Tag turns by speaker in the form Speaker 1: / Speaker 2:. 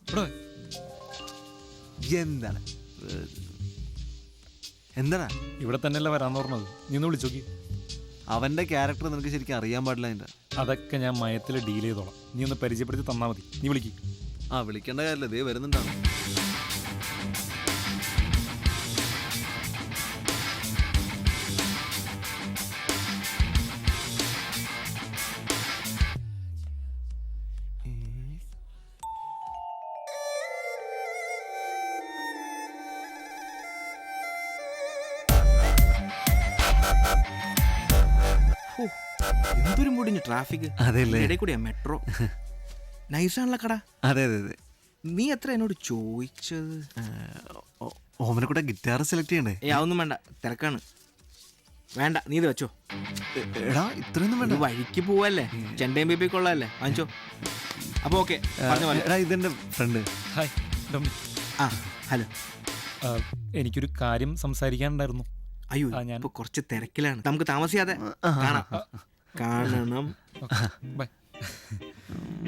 Speaker 1: ഇവിടെ വാ.
Speaker 2: എന്താണ് എന്താണ്
Speaker 1: ഇവിടെ തന്നെയല്ലേ വരാന്ന് പറഞ്ഞത്. നീ ഒന്ന് വിളിച്ചോക്കി.
Speaker 2: അവന്റെ ക്യാരക്ടർ നിനക്ക് ശരിക്കും അറിയാൻ പാടില്ല അതിന്റെ.
Speaker 1: അതൊക്കെ ഞാൻ മയത്തിൽ ഡീൽ ചെയ്തോളാം. നീ ഒന്ന് പരിചയപ്പെടുത്തി തന്നാൽ മതി. നീ വിളിക്ക്.
Speaker 2: ആ വിളിക്കേണ്ട കാര്യമില്ല, ദേ വരുന്നുണ്ടാണ്.
Speaker 3: എന്തൊരു മുടിഞ്ഞു ട്രാഫിക്.
Speaker 2: അതെല്ലേ?
Speaker 3: ഇടയിൽ കൂടിയാ മെട്രോ. നൈസാണല്ലോ കട.
Speaker 2: അതെ അതെ അതെ.
Speaker 3: നീ എത്ര എന്നോട് ചോദിച്ചത്?
Speaker 2: ഓമനെ കൂടെ ഗിറ്റാർ സെലക്ട് ചെയ്യണ്ടേ?
Speaker 3: അതൊന്നും വേണ്ട, തിരക്കാണ്. വേണ്ട, നീ ഇത് വെച്ചോ.
Speaker 2: എടാ ഇത്രയൊന്നും വേണ്ട.
Speaker 3: വഴിക്ക് പോവല്ലേ, ചെണ്ടയും ബേബി കൊള്ളാല്ലേ, വാങ്ങിച്ചോ. അപ്പൊ ഓക്കെ,
Speaker 2: എടാ ഇതെന്റെ ഫ്രണ്ട്.
Speaker 1: Hi Dominic.
Speaker 3: ആ ഹലോ.
Speaker 1: എനിക്കൊരു കാര്യം സംസാരിക്കാനുണ്ടായിരുന്നു.
Speaker 3: അയ്യോ
Speaker 1: ഞാൻ
Speaker 3: ഇപ്പൊ കുറച്ച് തിരക്കിലാണ്, നമുക്ക് താമസിയാതെ കാണാം. കാണണം.
Speaker 1: ബൈ.